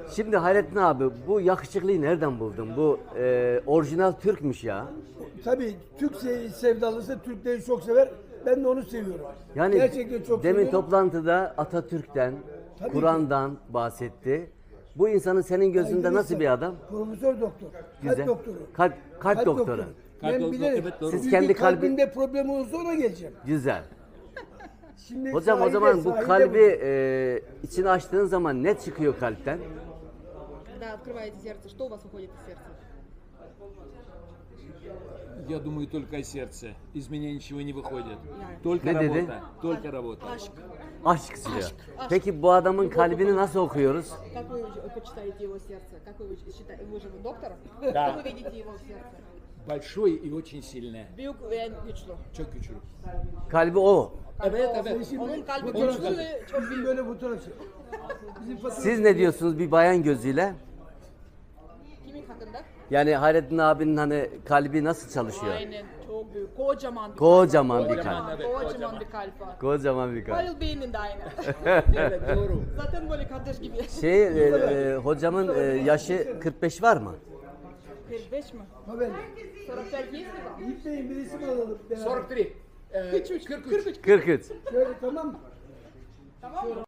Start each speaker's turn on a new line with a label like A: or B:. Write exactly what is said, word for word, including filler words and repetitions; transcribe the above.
A: Şimdi Hayrettin abi bu yakışıklıyı nereden buldun? Bu e, orijinal Türkmüş ya.
B: Tabii Türk se- sevdalısı Türkleri çok sever. Ben de onu seviyorum.
A: Yani
B: Gerçekten çok
A: demin
B: seviyorum.
A: toplantıda Atatürk'ten,
B: Tabii
A: Kur'an'dan bahsetti. Bu insanın senin gözünde
B: Saygılı
A: nasıl
B: insan.
A: bir adam?
B: Profesör doktor.
A: Güzel.
B: Kalp doktoru.
A: Kalp, kalp doktoru.
C: Kalp
B: Ben
C: doktoru,
B: bilirim.
C: evet, doğru.
A: Siz
B: Bir
A: kendi
B: bir
A: kalbi-
B: kalbinde problem olursa ona geleceğim.
A: Güzel.
B: Şimdi
A: Hocam o
B: sahilde-
A: zaman bu
B: sahilde
A: kalbi e, içine açtığın zaman ne çıkıyor kalpten?
D: Когда открываете сердце, что у вас уходит из сердца?
C: Я думаю, только о сердце. Из меня ничего не выходит.
D: Я-
C: Только
A: Ne dedi?
C: работа. Только работа.
D: Aşk.
A: Aşk diyor. Peki bu adamın kalbini nasıl okuyoruz?
D: Как вы уч- почитаете его сердце? Как вы уч- считаете? Вы же вы доктор?
C: Да.
D: Как вы видите его сердце?
C: Большое и очень сильное.
D: Büyük ve güçlü.
C: Çok güçlü.
A: Kalbi o.
C: Evet, evet.
B: Şimdi
D: Onun kalbi
B: fotoğraf-
D: güçlü ve çok
B: Bizim
D: büyük.
B: böyle fotoğraf çek. Bizim fotoğraf-
A: Siz ne diyorsunuz bir bayan gözüyle?
D: Kimin hakkında?
A: Yani Hayrettin abinin hani kalbi nasıl çalışıyor?
D: Aynen. Çok büyük. Kocaman bir
A: Kocaman
D: kalp.
A: bir
D: Kocaman,
C: kalp.
D: Kocaman,
C: Evet, kocaman.
D: bir kalp var.
A: Kocaman bir kalp.
D: Halil Bey'in de aynı.
C: Evet, doğru.
D: Zaten böyle kardeş gibi.
A: Şey e, e, hocamın e, yaşı kırk beş var mı?
D: kırk beş mi?
B: Ha ben.
D: kırk beş есть ли вам?
B: Gitmeyin bir isim alalım. beraber.
C: сорок три. Э,
D: kırk üç.
C: кырк үч.
D: kırk üç.
A: kırk üç.
B: Şöyle tamam mı?
D: Tamam mı?